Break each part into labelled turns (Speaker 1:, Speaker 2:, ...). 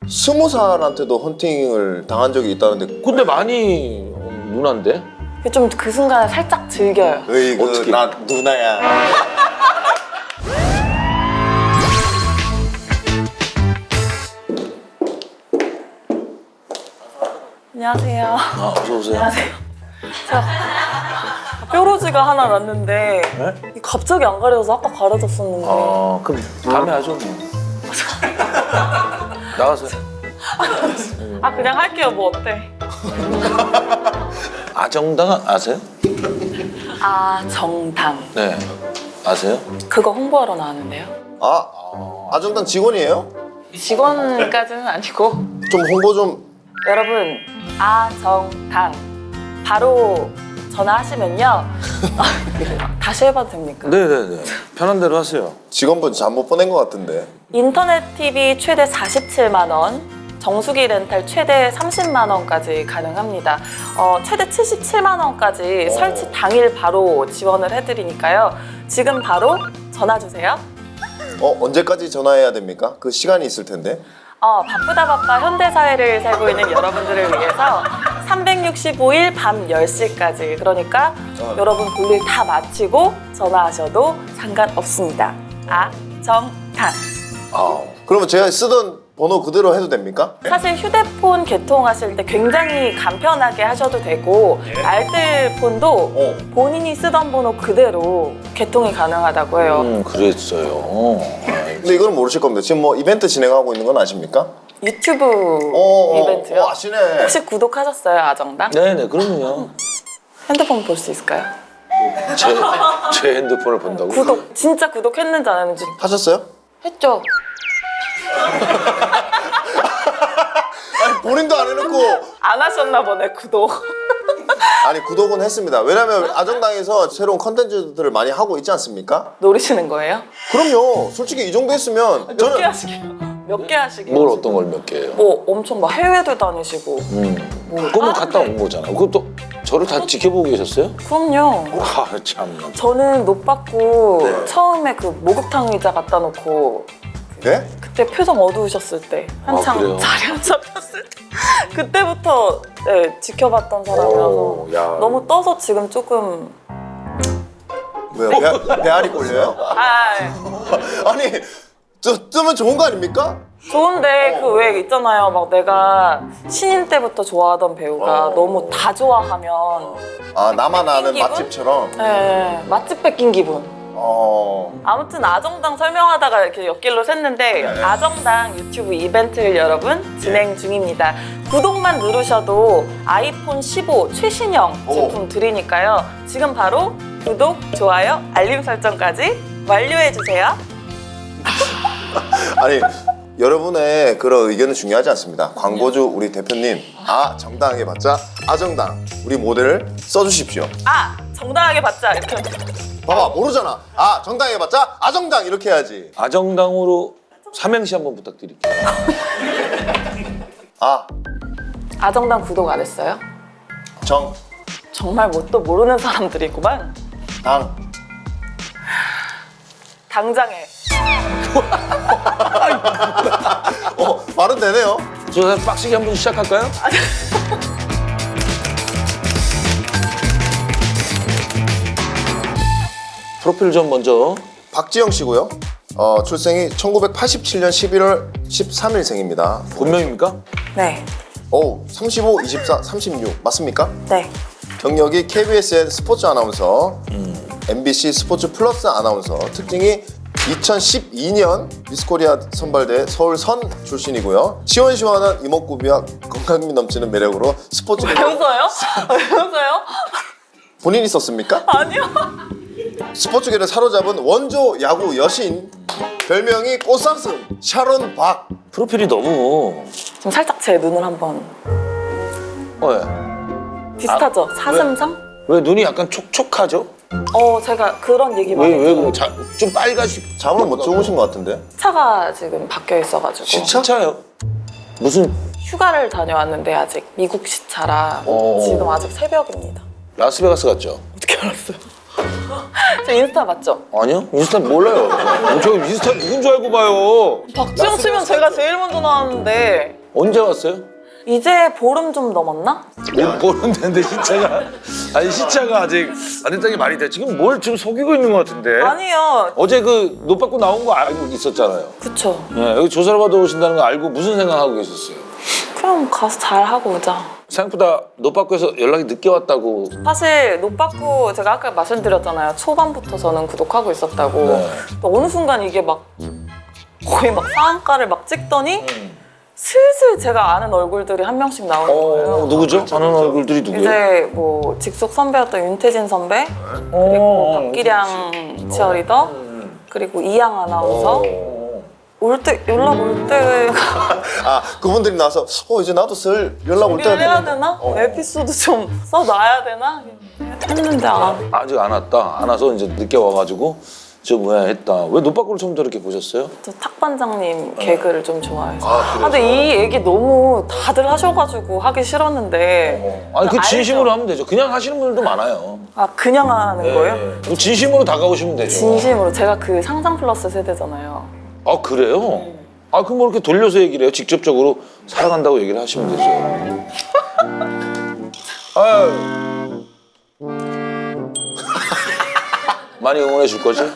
Speaker 1: 20살한테도 헌팅을 당한 적이 있다는데.
Speaker 2: 근데 많이 누난데?
Speaker 3: 좀 그 순간에 살짝 즐겨요.
Speaker 1: 어떻게? 나 누나야.
Speaker 3: 안녕하세요.
Speaker 2: 아, 어서 오세요.
Speaker 3: 안녕하세요. 제가 뾰루지가 하나 났는데
Speaker 2: 네?
Speaker 3: 갑자기 안 가려져서 아까 가려졌었는데.
Speaker 2: 아, 그럼 다음에 하죠 뭐. 나가세요.
Speaker 3: 아 그냥 할게요. 뭐 어때?
Speaker 2: 아정당 아세요?
Speaker 3: 아정당.
Speaker 2: 네. 아세요?
Speaker 3: 그거 홍보하러 나왔는데요.
Speaker 1: 아정당 직원이에요?
Speaker 3: 직원까지는 아니고.
Speaker 1: 좀 홍보 좀.
Speaker 3: 여러분 아정당 바로 전화하시면요. 다시 해봐도 됩니까?
Speaker 2: 네네네. 편한 대로 하세요.
Speaker 1: 직원분 잘못 보낸 것 같은데.
Speaker 3: 인터넷 TV 최대 47만 원, 정수기 렌탈 최대 30만 원까지 가능합니다. 최대 77만 원까지 설치 당일 바로 지원을 해드리니까요. 지금 바로 전화 주세요.
Speaker 1: 언제까지 전화해야 됩니까? 그 시간이 있을 텐데.
Speaker 3: 바쁘다 바빠 현대사회를 살고 있는 여러분들을 위해서 365일 밤 10시까지 그러니까 여러분 볼일 다 마치고 전화하셔도 상관없습니다. 아정당.
Speaker 1: 그러면 제가 쓰던 번호 그대로 해도 됩니까?
Speaker 3: 사실 휴대폰 개통하실 때 굉장히 간편하게 하셔도 되고 알뜰폰도 본인이 쓰던 번호 그대로 개통이 가능하다고 해요.
Speaker 2: 그랬어요.
Speaker 1: 근데 이거는 모르실 겁니다. 지금 뭐 이벤트 진행하고 있는 건 아십니까?
Speaker 3: 유튜브 이벤트요?
Speaker 1: 아시네.
Speaker 3: 혹시 구독하셨어요, 아정당?
Speaker 2: 네네, 그럼요.
Speaker 3: 핸드폰 볼 수 있을까요?
Speaker 2: 제 핸드폰을 본다고?
Speaker 3: 구독, 진짜 구독했는지 안 했는지
Speaker 1: 하셨어요?
Speaker 3: 했죠?
Speaker 1: 아니 본인도 안 해놓고.
Speaker 3: 안 하셨나 보네, 구독.
Speaker 1: 아니 구독은 했습니다. 왜냐면 아정당에서 새로운 컨텐츠들을 많이 하고 있지 않습니까?
Speaker 3: 노리시는 거예요?
Speaker 1: 그럼요. 솔직히 이 정도 했으면
Speaker 3: 몇 개 하시게요? 몇 개 하시게요?
Speaker 2: 뭘 어떤 걸 몇 개예요?
Speaker 3: 뭐 엄청 막 해외도 다니시고
Speaker 2: 그거는 갔다 온 거잖아. 그것도 저를 다 지켜보고 계셨어요?
Speaker 3: 그럼요.
Speaker 2: 아, 참나.
Speaker 3: 저는 노 받고 처음에 그 목욕탕 의자 갖다 놓고
Speaker 1: 네?
Speaker 3: 그때 표정 어두우셨을 때 한창
Speaker 2: 그래요?
Speaker 3: 자리 안 잡혔을 때 그때부터 네, 지켜봤던 사람이라서
Speaker 2: 야.
Speaker 3: 너무 떠서 지금 조금
Speaker 1: 왜요? 배알이 꼴려요? 아니 뜨면 좋은 거 아닙니까?
Speaker 3: 좋은데 그 왜 있잖아요. 막 내가 신인 때부터 좋아하던 배우가 너무 다 좋아하면
Speaker 1: 나만 아는
Speaker 3: 기분?
Speaker 1: 맛집처럼.
Speaker 3: 네, 맛집 뺏긴 기분. 아무튼 아정당 설명하다가 이렇게 옆길로 샜는데 아정당 유튜브 이벤트를 여러분 진행 중입니다. 구독만 누르셔도 아이폰 15 최신형 제품 드리니까요. 지금 바로 구독, 좋아요, 알림 설정까지 완료해주세요.
Speaker 1: 아니 여러분의 그런 의견은 중요하지 않습니다. 광고주 우리 대표님 정당하게 받자 아정당 우리 모델을 써주십시오.
Speaker 3: 정당하게 받자 이렇게.
Speaker 1: 봐봐 모르잖아. 정당하게 받자 아정당 이렇게 해야지.
Speaker 2: 아정당으로 삼행시 한번 부탁드릴게요.
Speaker 3: 아정당 구독 안 했어요?
Speaker 1: 정,
Speaker 3: 정말 뭐 또 모르는 사람들이구만.
Speaker 1: 당.
Speaker 3: 당장에.
Speaker 1: 말은 되네요.
Speaker 2: 저 빡시게 한번 시작할까요? 프로필 좀 먼저.
Speaker 1: 박지영 씨고요. 출생이 1987년 11월 13일생입니다.
Speaker 2: 본명입니까?
Speaker 3: 네.
Speaker 1: 35, 24, 36 맞습니까?
Speaker 3: 네.
Speaker 1: 경력이 KBSN 스포츠 아나운서, MBC 스포츠 플러스 아나운서, 특징이 2012년 미스코리아 선발대 서울선 출신이고요. 시원시원한 이목구비와 건강미 넘치는 매력으로 스포츠
Speaker 3: 왜 웃어요? 왜 웃어요?
Speaker 1: 본인이 썼습니까?
Speaker 3: 아니요.
Speaker 1: 스포츠계를 사로잡은 원조 야구 여신, 별명이 꽃사슴 샤론 박.
Speaker 2: 프로필이 너무.
Speaker 3: 지금 살짝 제 눈을 한번
Speaker 2: 왜?
Speaker 3: 비슷하죠? 사슴상?
Speaker 2: 왜 눈이 약간 촉촉하죠?
Speaker 3: 제가 그런 얘기 많이
Speaker 2: 왜
Speaker 3: 해요.
Speaker 2: 그래? 좀 빨가시.
Speaker 1: 잠을 못 주무신 것 같은데?
Speaker 3: 차가 지금 바뀌어 있어가지고
Speaker 2: 시차요? 무슨
Speaker 3: 휴가를 다녀왔는데 아직 미국 시차라 지금 아직 새벽입니다.
Speaker 2: 라스베가스 같죠?
Speaker 3: 어떻게 알았어요? 저 인스타 맞죠?
Speaker 2: 아니요? 인스타 몰라요. 저 인스타 누군 줄 알고 봐요.
Speaker 3: 박지영 치면 제가 제일 먼저 나왔는데
Speaker 2: 언제 왔어요?
Speaker 3: 이제 보름 좀 넘었나?
Speaker 2: 못 보는데 시차가 아니 시차가 아직 안 됐다는 게 말이 돼. 지금 뭘 지금 속이고 있는 것 같은데.
Speaker 3: 아니요.
Speaker 2: 어제 그 노 받고 나온 거 알고 있었잖아요.
Speaker 3: 그쵸.
Speaker 2: 네, 여기 조사를 받아 오신다는 거 알고 무슨 생각하고 계셨어요?
Speaker 3: 그럼 가서 잘 하고 오자.
Speaker 2: 생각보다 노 받고 해서 연락이 늦게 왔다고.
Speaker 3: 사실 노빠꾸 제가 아까 말씀드렸잖아요. 초반부터 저는 구독하고 있었다고.
Speaker 2: 네.
Speaker 3: 또 어느 순간 이게 막 거의 막 상한가를 막 찍더니 슬슬 제가 아는 얼굴들이 한 명씩 나오는 거예요.
Speaker 2: 누구죠? 아는 얼굴들이 누구예요?
Speaker 3: 이제 뭐 직속 선배였던 윤태진 선배, 그리고 박기량 치어리더, 그리고 이양 아나운서. 올 때 연락 올 때
Speaker 1: 아 그분들이 나와서 이제 나도 슬 연락 올 때가
Speaker 3: 해야
Speaker 1: 됐는데.
Speaker 3: 되나? 에피소드 좀 써놔야 되나? 했는데
Speaker 2: 아직 안 왔다. 안 와서 이제 늦게 와가지고 저 뭐야 했다. 왜 노 받고를 처음부터 이렇게 보셨어요?
Speaker 3: 저 탁반장님 개그를 좀 좋아해서.
Speaker 1: 그래서?
Speaker 3: 근데 이 얘기 너무 다들 하셔가지고 하기 싫었는데.
Speaker 2: 아니 그
Speaker 3: 알죠?
Speaker 2: 진심으로 하면 되죠. 그냥 하시는 분들도 많아요.
Speaker 3: 아 그냥 하는 거예요?
Speaker 2: 그 진심으로 다가오시면 되죠.
Speaker 3: 진심으로 제가 그 상상 플러스 세대잖아요.
Speaker 2: 아 그래요? 아 그럼 뭐 이렇게 돌려서 얘기를 해요? 직접적으로 사랑한다고 얘기를 하시면 되죠. 아유. 많이 응원해 줄 거지?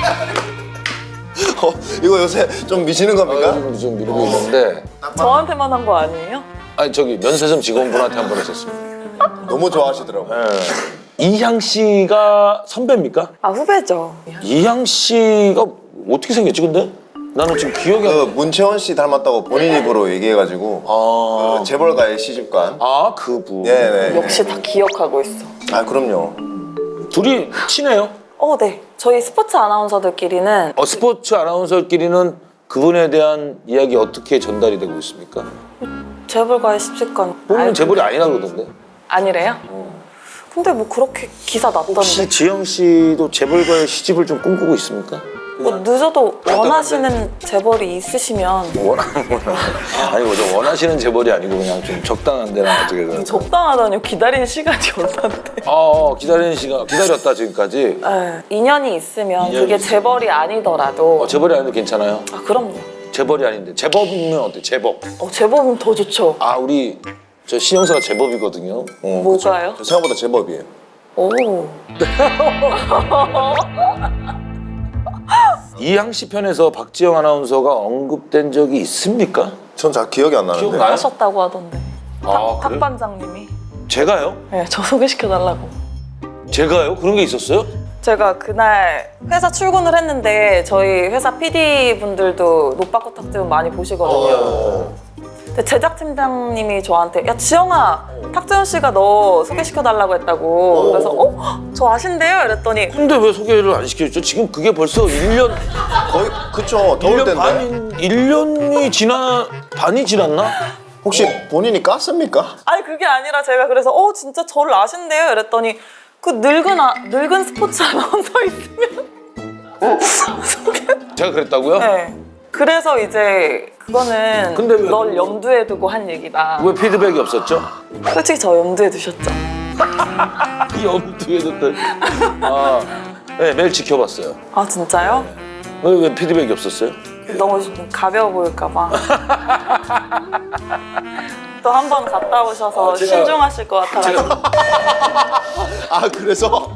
Speaker 1: 이거 요새 좀 미시는 겁니까?
Speaker 2: 요즘 좀 미루고 있는데
Speaker 3: 저한테만 한 거 아니에요?
Speaker 2: 아니 저기 면세점 직원분한테 한 번 했었습니다.
Speaker 1: 너무 좋아하시더라고요.
Speaker 2: 이향 씨가 선배입니까?
Speaker 3: 아 후배죠.
Speaker 2: 이향 씨가 어떻게 생겼지 근데? 나는 지금 기억이 안 나.
Speaker 1: 문채원 씨 닮았다고 본인 입으로 얘기해가지고
Speaker 2: 아,
Speaker 1: 재벌가의 시집관.
Speaker 2: 아 그분.
Speaker 1: 네네.
Speaker 3: 역시 다 기억하고 있어.
Speaker 1: 아 그럼요.
Speaker 2: 둘이 친해요?
Speaker 3: 네. 저희 스포츠 아나운서들끼리는
Speaker 2: 스포츠 아나운서끼리는 그분에 대한 이야기 어떻게 전달이 되고 있습니까?
Speaker 3: 재벌가의 십시간.
Speaker 2: 본인은 재벌이 아니라 그러던데.
Speaker 3: 아니래요? 근데 뭐 그렇게 기사 났던데.
Speaker 2: 혹시 지영 씨도 재벌과의 시집을 좀 꿈꾸고 있습니까?
Speaker 3: 뭐 늦어도 원하시는 재벌이 있으시면
Speaker 2: 아니 뭐죠 원하시는 재벌이 아니고 그냥 좀 적당한 데랑 어떻게 그런.
Speaker 3: 적당하다니요. 기다리는 시간이 얼마인데.
Speaker 2: 기다리는 시간 기다렸다 지금까지.
Speaker 3: 네, 인연이 있으면
Speaker 2: 인연이
Speaker 3: 그게
Speaker 2: 있으면.
Speaker 3: 재벌이 아니더라도
Speaker 2: 재벌이 아닌데 괜찮아요?
Speaker 3: 아 그럼요.
Speaker 2: 재벌이 아닌데 재법이면 어때? 재법.
Speaker 3: 재벌은 더 좋죠.
Speaker 2: 아 우리 저 신영사가 재법이거든요.
Speaker 3: 뭐가요?
Speaker 1: 저 생각보다 제법이에요.
Speaker 3: 오.
Speaker 2: 이향 씨 편에서 박지영 아나운서가 언급된 적이 있습니까?
Speaker 1: 전 잘 기억이 안 나는데.
Speaker 2: 기억나요?
Speaker 3: 하셨다고 하던데.
Speaker 2: 아,
Speaker 3: 탁
Speaker 2: 그래요?
Speaker 3: 반장님이.
Speaker 2: 제가요?
Speaker 3: 네, 저 소개시켜달라고.
Speaker 2: 제가요? 그런 게 있었어요?
Speaker 3: 제가 그날 회사 출근을 했는데 저희 회사 PD 분들도 노빠꾸 탁지문 많이 보시거든요. 근데 제작팀장님이 저한테 야 지영아 탁지훈 씨가 너 소개시켜달라고 했다고. 그래서 저 아신대요? 이랬더니
Speaker 2: 근데 왜 소개를 안 시켜줬죠? 지금 그게 벌써 1년,
Speaker 1: 거의 그쵸. 더울
Speaker 2: 1년
Speaker 1: 때인데.
Speaker 2: 1년이 반이 지났나?
Speaker 1: 혹시 본인이 깠습니까?
Speaker 3: 아니 그게 아니라 제가 그래서 진짜 저를 아신대요? 이랬더니 그 늙은 스포츠 아나운서 있으면
Speaker 2: 제가 그랬다고요?
Speaker 3: 네. 그래서 이제 그거는
Speaker 2: 근데 왜
Speaker 3: 널 염두에 두고 한 얘기다.
Speaker 2: 왜 피드백이 없었죠?
Speaker 3: 솔직히 저 염두에 두셨죠?
Speaker 2: 염두에 뒀던. 네, 매일 지켜봤어요.
Speaker 3: 아 진짜요?
Speaker 2: 왜 피드백이 없었어요?
Speaker 3: 너무 가벼워 보일까봐. 또 한 번 갔다 오셔서
Speaker 2: 제가-
Speaker 3: 신중하실 것 같아가지고.
Speaker 1: 아 그래서?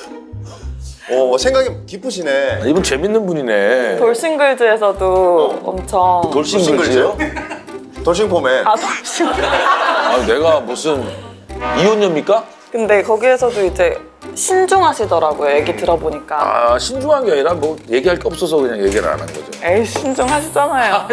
Speaker 1: 생각이 깊으시네.
Speaker 2: 이분 재밌는 분이네.
Speaker 3: 돌싱글즈에서도 엄청
Speaker 2: 돌싱글즈요?
Speaker 1: 돌싱포맨.
Speaker 3: 돌싱글.
Speaker 2: 내가 무슨 이혼녀입니까?
Speaker 3: 근데 거기에서도 이제 신중하시더라고요. 얘기 들어보니까.
Speaker 2: 신중한 게 아니라 뭐 얘기할 게 없어서 그냥 얘기를 안 한 거죠.
Speaker 3: 에이 신중하시잖아요.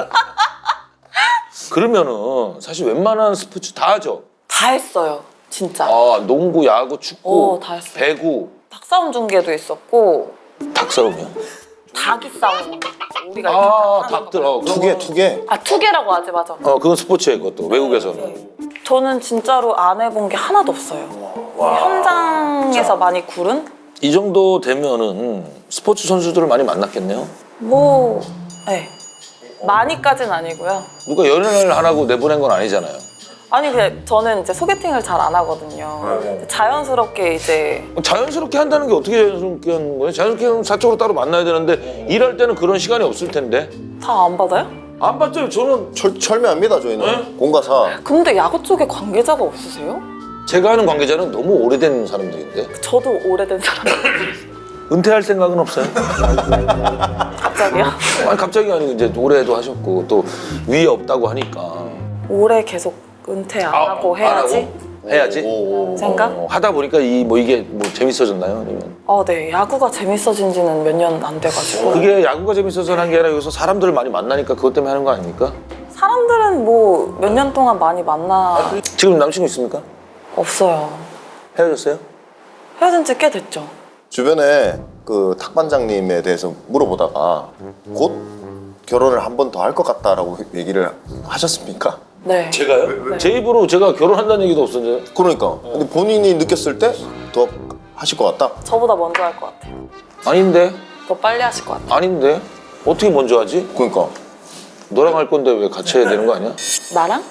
Speaker 2: 그러면은 사실 웬만한 스포츠 다 하죠.
Speaker 3: 다 했어요. 진짜.
Speaker 2: 농구, 야구, 축구,
Speaker 3: 다 했어요.
Speaker 2: 배구,
Speaker 3: 닭싸움 중계도 있었고
Speaker 2: 닭싸움이요?
Speaker 3: 닭이 싸우는 거. 우리가 이렇게 하는
Speaker 2: 닭들.
Speaker 3: 거.
Speaker 1: 투개.
Speaker 3: 투개라고 하지 맞아.
Speaker 2: 그건 스포츠예요, 그것도 외국에서는.
Speaker 3: 저는 진짜로 안 해본 게 하나도 없어요. 현장에서 많이 구른?
Speaker 2: 이 정도 되면은 스포츠 선수들을 많이 만났겠네요.
Speaker 3: 네. 많이까진 아니고요.
Speaker 2: 누가 연애를 하라고 내보낸 건 아니잖아요.
Speaker 3: 아니 그냥 저는 이제 소개팅을 잘 안 하거든요. 자연스럽게 이제
Speaker 2: 자연스럽게 한다는 게 어떻게 자연스럽게 하는 거예요? 자연스럽게 하면 사적으로 따로 만나야 되는데 일할 때는 그런 시간이 없을 텐데.
Speaker 3: 다 안 받아요?
Speaker 2: 안 봤죠? 저는
Speaker 1: 철미합니다 저희는.
Speaker 2: 네?
Speaker 1: 공과사.
Speaker 3: 근데 야구 쪽에 관계자가 없으세요?
Speaker 2: 제가 아는 관계자는 너무 오래된 사람들인데
Speaker 3: 저도 오래된 사람.
Speaker 2: 은퇴할 생각은 없어요?
Speaker 3: 갑자기요?
Speaker 2: 아니 갑자기 아니고 이제 올해도 하셨고 또 위에 없다고 하니까
Speaker 3: 올해 계속 은퇴 안 하고 해야지.
Speaker 2: 안 하고? 해야지?
Speaker 3: 생각?
Speaker 2: 하다 보니까 이게 재밌어졌나요? 아니면
Speaker 3: 네. 야구가 재밌어진 지는 몇 년 안 돼가지고.
Speaker 2: 그게 야구가 재밌어서 하는 게 아니라 여기서 사람들을 많이 만나니까 그것 때문에 하는 거 아닙니까?
Speaker 3: 사람들은 뭐 몇 년 동안 많이 만나.
Speaker 2: 지금 남친구 있습니까?
Speaker 3: 없어요.
Speaker 2: 헤어졌어요?
Speaker 3: 헤어진 지 꽤 됐죠.
Speaker 1: 주변에 그 탁반장님에 대해서 물어보다가 곧 결혼을 한 번 더 할 것 같다라고 얘기를 하셨습니까?
Speaker 3: 네.
Speaker 2: 제가요? 제 입으로 제가 결혼한다는 얘기도 없었는데
Speaker 1: 그러니까. 근데 본인이 느꼈을 때 더 하실 것 같다?
Speaker 3: 저보다 먼저 할 것 같아요.
Speaker 2: 아닌데?
Speaker 3: 더 빨리 하실 것 같아요.
Speaker 2: 아닌데? 어떻게 먼저 하지?
Speaker 1: 그러니까.
Speaker 2: 너랑 할 건데 왜 같이 해야 되는 거 아니야?
Speaker 3: 나랑?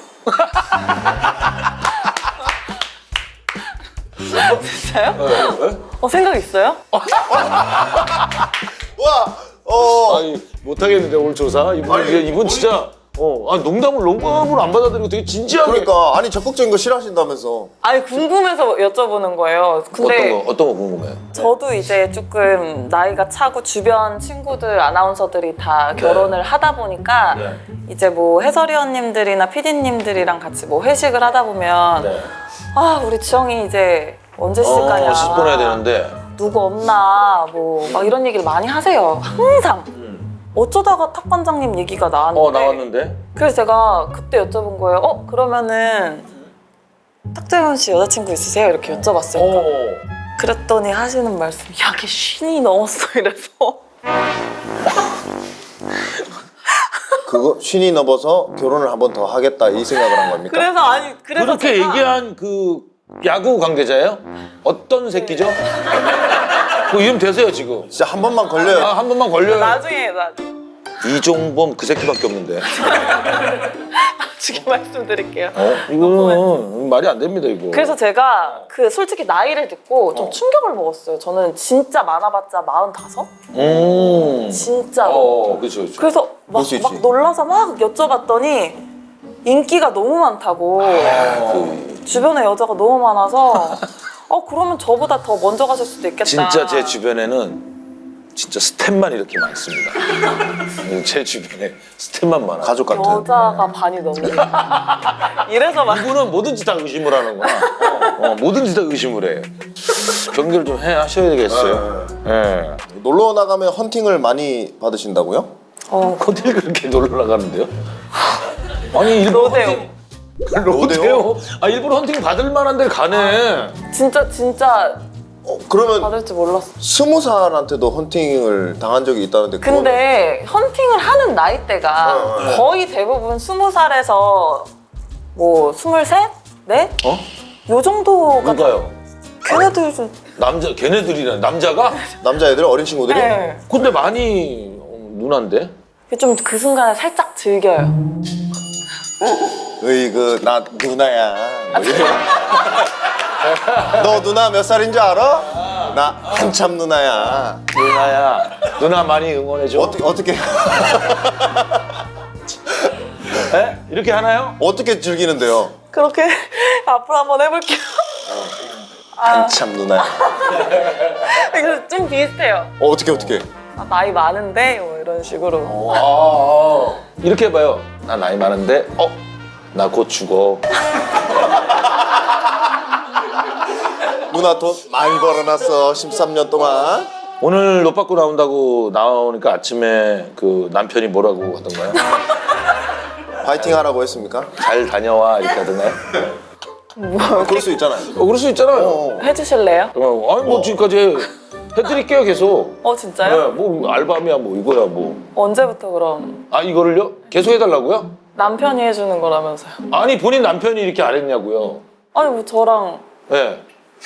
Speaker 3: 진짜요? 생각 있어요?
Speaker 1: 와!
Speaker 2: 아니 못하겠는데 오늘 조사? 이분 진짜 농담을 안 받아들이고 되게 진지하게
Speaker 1: 그러니까 아니 적극적인 거 싫어하신다면서.
Speaker 3: 아니 궁금해서 여쭤보는 거예요. 근데
Speaker 2: 어떤 거 궁금해요?
Speaker 3: 저도 이제 조금 나이가 차고 주변 친구들 아나운서들이 다 결혼을 하다 보니까
Speaker 2: 네.
Speaker 3: 이제 뭐 해설위원님들이나 PD님들이랑 같이 뭐 회식을 하다 보면 아 우리 지영이 이제 언제 시집가냐
Speaker 2: 시집 보내야 되는데
Speaker 3: 누구 없나 뭐 막 이런 얘기를 많이 하세요. 항상 어쩌다가 탁반장님 얘기가 나왔는데
Speaker 2: 나왔는데?
Speaker 3: 그래서 제가 그때 여쭤본 거예요. 그러면은 탁재훈 씨 여자친구 있으세요? 이렇게 여쭤봤어요. 그랬더니 하시는 말씀이 야, 걔 50이 넘었어 이래서
Speaker 1: 그거 신이 넘어서 결혼을 한 번 더 하겠다 이 생각을 한 겁니까?
Speaker 3: 그래서
Speaker 2: 그렇게
Speaker 3: 제가
Speaker 2: 얘기한 그 야구 관계자예요? 어떤 새끼죠? 그 이름 되세요 지금?
Speaker 1: 진짜 한 번만 걸려요.
Speaker 2: 한 번만 걸려요.
Speaker 3: 나중에
Speaker 2: 이종범 그 새끼밖에 없는데.
Speaker 3: 말씀드릴게요.
Speaker 2: 이거는 말이 안 됩니다 이거.
Speaker 3: 그래서 제가 그 솔직히 나이를 듣고 좀 충격을 먹었어요. 저는 진짜 많아봤자 45? 진짜로.
Speaker 2: 그렇죠.
Speaker 3: 그래서
Speaker 1: 그럴 수 있지.
Speaker 3: 막 놀라서 막 여쭤봤더니 인기가 너무 많다고 주변에 여자가 너무 많아서 그러면 저보다 더 먼저 가실 수도 있겠다.
Speaker 2: 진짜 제 주변에는 진짜 스텝만 이렇게 많습니다. 제 주변에 스텝만 많아.
Speaker 1: 가족 같은.
Speaker 3: 여자가 반이 넘는 이래서 막
Speaker 2: 이분은 뭐든지 다 의심을 하는구나. 뭐든지 다 의심을 해. 경계를 좀 하셔야 되겠어요. 네.
Speaker 1: 놀러 나가면 헌팅을 많이 받으신다고요?
Speaker 2: 어딜 그렇게 놀러 나가는데요? 아니 일부러
Speaker 3: 로데오.
Speaker 2: 로데오? 일부러 헌팅 받을 만한 데 가네.
Speaker 3: 진짜
Speaker 1: 그러면
Speaker 3: 받을 줄 몰랐어.
Speaker 1: 20살한테도 헌팅을 당한 적이 있다는데 그거는
Speaker 3: 근데 헌팅을 하는 나이대가 거의 대부분 20살에서 뭐 23? 네? 요 정도가
Speaker 2: 누가요?
Speaker 3: 걔네들 좀
Speaker 2: 걔네들이란 남자가?
Speaker 1: 남자애들 어린 친구들이
Speaker 3: 네.
Speaker 2: 근데 많이 누나인데?
Speaker 3: 좀 그 순간에 살짝 즐겨요.
Speaker 1: 으이그 나 누나야. 너 누나 몇 살인 줄 알아? 나 한참 누나야.
Speaker 2: 누나야. 누나 많이 응원해줘.
Speaker 1: 어떻게
Speaker 2: 에? 이렇게 하나요?
Speaker 1: 어떻게 즐기는데요?
Speaker 3: 그렇게 앞으로 한번 해볼게요.
Speaker 1: 한참 누나야.
Speaker 3: 이거 좀 비슷해요.
Speaker 1: 어떻게?
Speaker 3: 나이 많은데 뭐 이런 식으로.
Speaker 2: 이렇게 해봐요. 나 나이 많은데 나 곧 죽어.
Speaker 1: 누나 돈 많이 벌어놨어 13년 동안.
Speaker 2: 오늘 옷 받고 나오니까 아침에 그 남편이 뭐라고 하던가요?
Speaker 1: 파이팅 하라고 했습니까?
Speaker 2: 잘 다녀와 이렇게 하던가요?
Speaker 1: 그럴 수 있잖아요.
Speaker 2: 그럴 수 있잖아요.
Speaker 3: 해주실래요?
Speaker 2: 아니 뭐 지금까지 해드릴게요 계속.
Speaker 3: 진짜요?
Speaker 2: 네, 뭐 알밤이야 뭐 이거야 뭐.
Speaker 3: 언제부터 그럼?
Speaker 2: 이거를요? 계속 해달라고요?
Speaker 3: 남편이 해주는 거라면서요.
Speaker 2: 아니 본인 남편이 이렇게 안 했냐고요.
Speaker 3: 아니 뭐 저랑
Speaker 2: 네.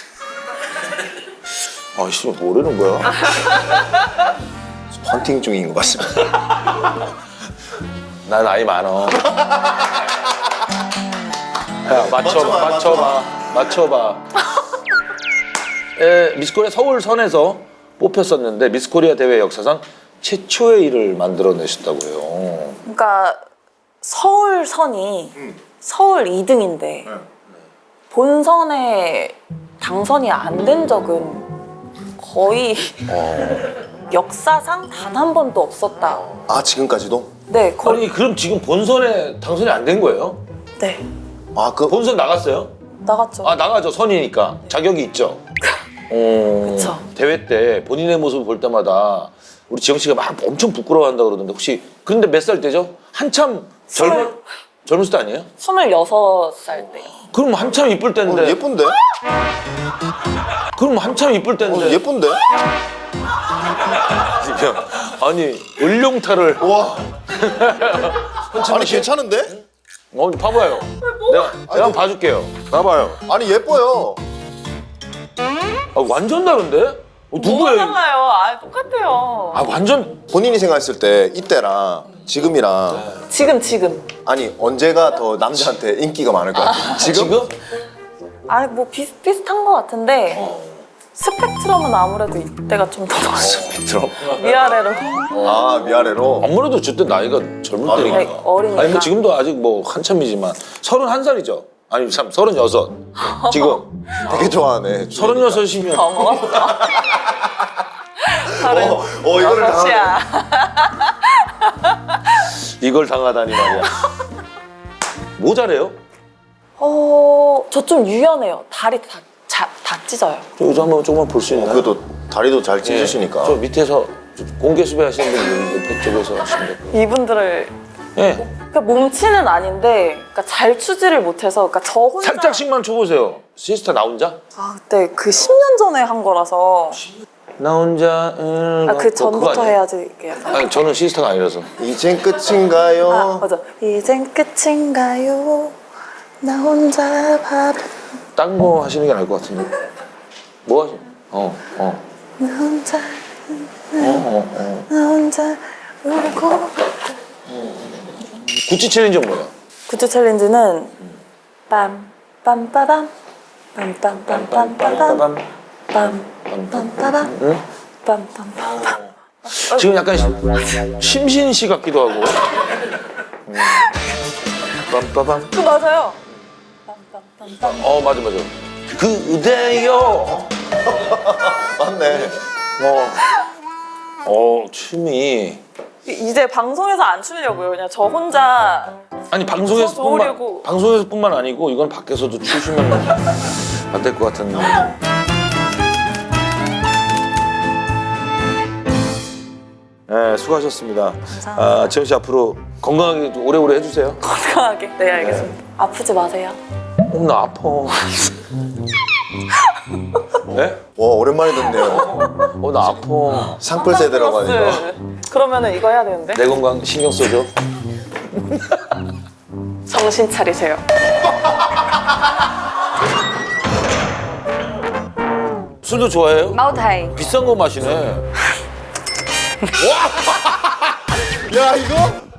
Speaker 2: 아씨 뭐라는 거야?
Speaker 1: 헌팅 중인 것 같습니다.
Speaker 2: 나 나이 많어. 야 맞춰봐. 미스코리아 서울선에서 뽑혔었는데 미스코리아 대회 역사상 최초의 일을 만들어내셨다고요.
Speaker 3: 그러니까 서울선이 서울 2등인데 본선에 당선이 안 된 적은 거의 역사상 단 한 번도 없었다.
Speaker 1: 아 지금까지도?
Speaker 3: 네, 거의.
Speaker 2: 아니 그럼 지금 본선에 당선이 안 된 거예요?
Speaker 3: 네,
Speaker 1: 아 그
Speaker 2: 본선 나갔어요?
Speaker 3: 나갔죠.
Speaker 2: 아 나가죠. 선이니까 자격이 있죠.
Speaker 3: 그쵸.
Speaker 2: 대회 때 본인의 모습을 볼 때마다 우리 지영 씨가 막 엄청 부끄러워한다 그러던데 혹시 근데 몇 살 때죠? 한참 젊을 때 아니에요?
Speaker 3: 26살 때.
Speaker 2: 그럼 한참 이쁠 때인데.
Speaker 1: 예쁜데?
Speaker 2: 그럼 한참 이쁠 때인데.
Speaker 1: 예쁜데?
Speaker 2: 아니 을룡타를.
Speaker 1: 와. 아니 괜찮은데?
Speaker 2: 봐봐요. 내가 한번 봐줄게요. 봐봐요.
Speaker 1: 아니 예뻐요.
Speaker 2: 아, 완전 다른데?
Speaker 3: 뭐가
Speaker 2: 누구예요?
Speaker 3: 달라요? 아, 똑같아요.
Speaker 2: 아 완전.
Speaker 1: 본인이 생각했을 때 이때랑 지금이랑
Speaker 3: 지금.
Speaker 1: 아니 언제가 더 남자한테 인기가 많을 것 같아요? 지금?
Speaker 3: 아니, 뭐 비슷비슷한 것 같은데 스펙트럼은 아무래도 이때가 좀 더
Speaker 1: 들어.
Speaker 3: 위아래로.
Speaker 1: 아 위아래로.
Speaker 2: 아무래도 저때 나이가 젊을 때니까.
Speaker 3: 네, 어리니까.
Speaker 2: 아니 뭐 지금도 아직 뭐 한참이지만 31살이죠. 아니 참 36. 지금
Speaker 1: 되게 좋아하네.
Speaker 2: 36이면
Speaker 3: 더 먹었어.
Speaker 1: 이거를
Speaker 3: 여섯이야.
Speaker 2: 이걸 당하다니 말이야. 뭐 잘해요?
Speaker 3: 저 좀 유연해요. 다리 다 찢어요.
Speaker 2: 저 여자 한번 조금만 볼 수 있나요?
Speaker 1: 그래도 다리도 잘 찢으시니까.
Speaker 2: 저 밑에서 공개 수배 하시는 분들 옆에 쪽에서 하시면 돼요.
Speaker 3: 이분들을
Speaker 2: 예.
Speaker 3: 그러니까 몸치는 아닌데 그러니까 잘 추지를 못해서 그러니까 저 혼자
Speaker 2: 살짝씩만 쳐보세요. 시스타 나 혼자?
Speaker 3: 아 그때 그 10년 전에 한 거라서
Speaker 2: 나 혼자
Speaker 3: 그 전부터 해야지 이게 약간
Speaker 2: 아니 저는 시스타가 아니라서.
Speaker 1: 이젠 끝인가요?
Speaker 3: 아 맞아 이젠 끝인가요 나 혼자 밥
Speaker 2: 딴 거 하시는 게 나을 것 같은데. 뭐 하시?
Speaker 3: 나 혼자 나 혼자 울고
Speaker 2: 구찌 챌린지는 뭐야?
Speaker 3: 굿즈 챌린지는 빰빰빠밤 빰빰빰빰빰빰 빰빰빰빰
Speaker 2: 응?
Speaker 3: 빰빰빰빰
Speaker 2: 지금 약간 심신시 같기도 하고. 빰빠밤.
Speaker 3: 그 맞아요 빰빰빰빰
Speaker 2: 맞아. 그대요.
Speaker 1: 맞네.
Speaker 2: 춤이.
Speaker 3: 이제 방송에서 안 추려고요 그냥 저 혼자
Speaker 2: 아니
Speaker 3: 더 좋으려고.
Speaker 2: 방송에서뿐만 아니고 이건 밖에서도 추시면 안 될 것 같은데. 네, 수고하셨습니다.
Speaker 3: 감사합니다.
Speaker 2: 지영 씨 앞으로 건강하게 좀 오래오래 해주세요.
Speaker 3: 건강하게 네 알겠습니다 아프지 마세요
Speaker 2: 나 아파. 네?
Speaker 1: 와 오랜만에 듣네요.
Speaker 2: 나 아파.
Speaker 1: 상풀 세대라고 하니까.
Speaker 3: 플러스. 그러면은 이거 해야 되는데
Speaker 2: 내 건강 신경 써줘.
Speaker 3: 정신 차리세요
Speaker 2: 술도 좋아해요?
Speaker 3: 마우타이
Speaker 2: 비싼 거 마시네.
Speaker 1: 야 이거